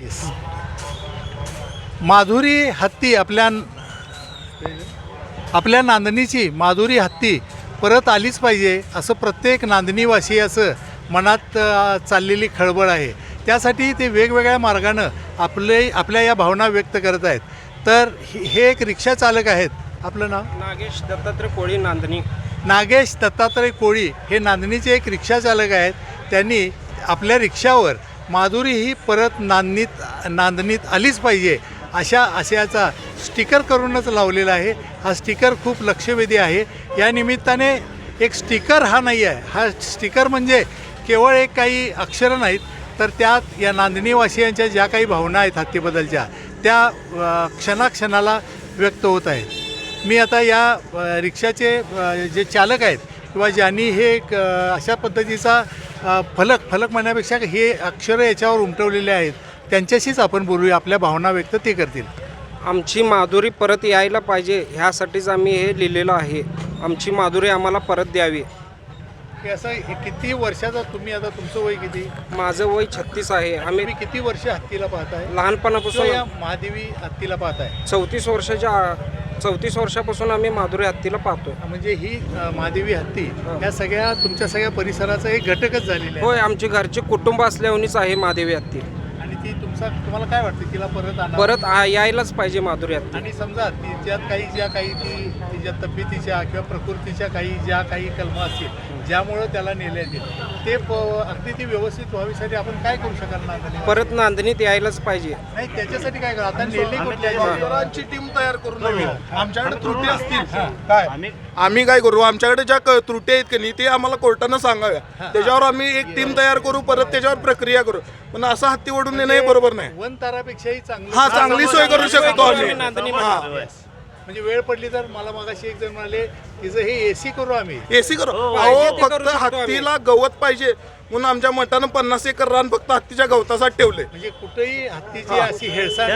Yes. Madhuri हत्ती आपल्या नांदणीची माधुरी हत्ती परत आलीच पाहिजे असं प्रत्येक नांदणीवासियाचं मनात चाललेली खळबळ आहे. त्यासाठी ते वेगवेगळ्या मार्गानं आपल्या या भावना व्यक्त करत आहेत. तर हे एक रिक्षा चालक आहेत. आपलं नाव? नागेश दत्तात्रय कोळी, नांदणी. नागेश दत्तात्रय कोळी हे नांदणीचे एक रिक्षा चालक आहेत. त्यांनी आपल्या रिक्षावर माधुरी ही परत नांदणीत आलीच पाहिजे अशा आशयाचा स्टिकर करूनच लावलेला आहे. हा स्टिकर खूप लक्षवेधी आहे. या निमित्ताने एक स्टिकर हा नाही आहे, हा स्टिकर म्हणजे केवळ एक काही अक्षरं नाहीत, तर त्यात या नांदणीवासियांच्या ज्या काही भावना आहेत हत्तीबद्दलच्या त्या क्षणाक्षणाला व्यक्त होत आहेत. मी आता या रिक्षाचे जे चालक आहेत किंवा ज्यांनी हे एक अशा पद्धतीचा फलक म्हणण्यापेक्षा हे अक्षरं याच्यावर उमटवलेले आहेत त्यांच्याशीच आपण बोलूया. आपल्या भावना व्यक्त ते करतील. आमची माधुरी परत यायला पाहिजे ह्यासाठीच आम्ही हे लिहिलेलं आहे. आमची माधुरी आम्हाला परत द्यावी. हे असं किती वर्षाचा तुम्ही, आता तुमचं वय किती? माझं वय 36 आहे. आम्ही तुम्ही किती वर्ष हत्तीला पाहताय? लहानपणापासून या महादेवी हत्तीला पाहताय? 34 वर्षापासून आम्ही माधुरी हत्तीला पाहतो. म्हणजे ही महादेवी हत्ती या सगळ्या तुमच्या सगळ्या परिसराचा एक घटकच झालेला आहे. होय, आमची घरचे कुटुंब असल्यानेच आहे महादेवी हत्ती. आणि ती तुम्हाला काय वाटतं तिला परत परत यायलाच पाहिजे माधुरी हत्ती. आणि समजा तिच्यात तिच्या तब्येतीच्या किंवा प्रकृतीच्या ज्या काही कलमा असतील ज्यामुळं त्याला नेले येतील ते अगदी ती व्यवस्थित व्हावीसाठी आपण काय करू शकाल? नांदणी परत नांदणीत यायलाच पाहिजे. नाही, त्याच्यासाठी काय करू? आता नेली डॉक्टरांची टीम तयार करून आमच्याकडे त्रुटी असतील काय आम्ही काय करू? आमच्याकडे ज्या त्रुटी आहेत की नाही ते आम्हाला कोर्टानं सांगाव्या. त्याच्यावर आम्ही एक टीम तयार करू, परत त्याच्यावर प्रक्रिया करू. पण असं हत्ती ओढून नेणं हे बरोबर नाही. वनतारापेक्षाही हा, चांगली सोय करू शकतो आम्ही. म्हणजे वेळ पडली तर मला मगाशी एक जण म्हणाले तिचं हे एसी करू आम्ही. एसी करू. अहो, फक्त हत्तीला गवत पाहिजे म्हणून आमच्या मठानं 50 एकर रान फक्त हत्तीच्या गवतासाठी ठेवले. म्हणजे कुठेही हत्तीची अशी हेळसांड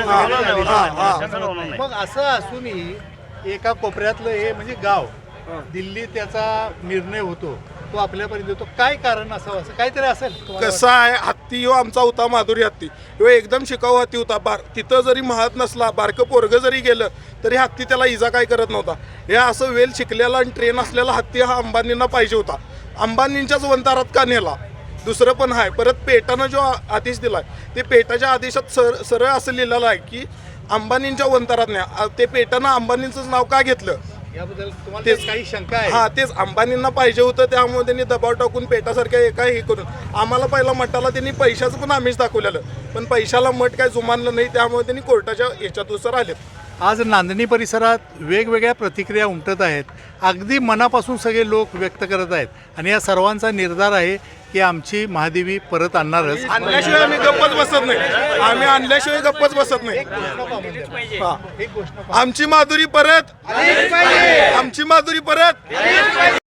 मग असं असूनही एका कोपऱ्यातलं हे म्हणजे गाव दिल्ली त्याचा निर्णय होतो, तो आपल्यापर्यंत येतो. काय कारण असावं? असं काहीतरी असेल. कसं आहे, हत्ती हो आमचा होता माधुरी हत्ती. ह्यो एकदम शिकाऊ हत्ती होता. तिथं जरी महात नसला, बारकं पोरगं जरी गेलं तरी हत्ती त्याला इजा काय करत नव्हता. हे असं वेल शिकलेला आणि ट्रेन असलेला हत्ती हा अंबानींना पाहिजे होता. अंबानींच्याच वंतारात का नेला? दुसरं पण आहे. परत पेटानं जो आदेश दिलाय ते पेटाच्या आदेशात सरळ असं लिहिलेलं आहे की अंबानींच्या वंतारात न्या. ते पेटानं अंबानींचंच नाव का घेतलं याबद्दल तुम्हाला काही शंका आहे? हा, तेच अंबानींना पाहिजे होतं. त्यामुळे त्यांनी दबाव टाकून पेटासारख्या एका हे करून आम्हाला पहिला मठाला त्यांनी पैशाचं पण आमिष दाखवलेलं, पण पैशाला मठ काय जुमानलं नाही. त्यामुळे त्यांनी कोर्टाच्या याच्यानुसार आलेत. आज नांदणी परिसरात वेगवेगळ्या प्रतिक्रिया उमटत आहेत. अगदी मनापासून सगळे लोक व्यक्त करत आहेत आणि या सर्वांचा निर्धार आहे की आमची महादेवी परत आणणारच. आणल्याशिवाय आम्ही गप्पच बसत नाही. आम्ही आणल्याशिवाय गप्पच बसत नाही. आमची माधुरी परत, आमची माधुरी परत.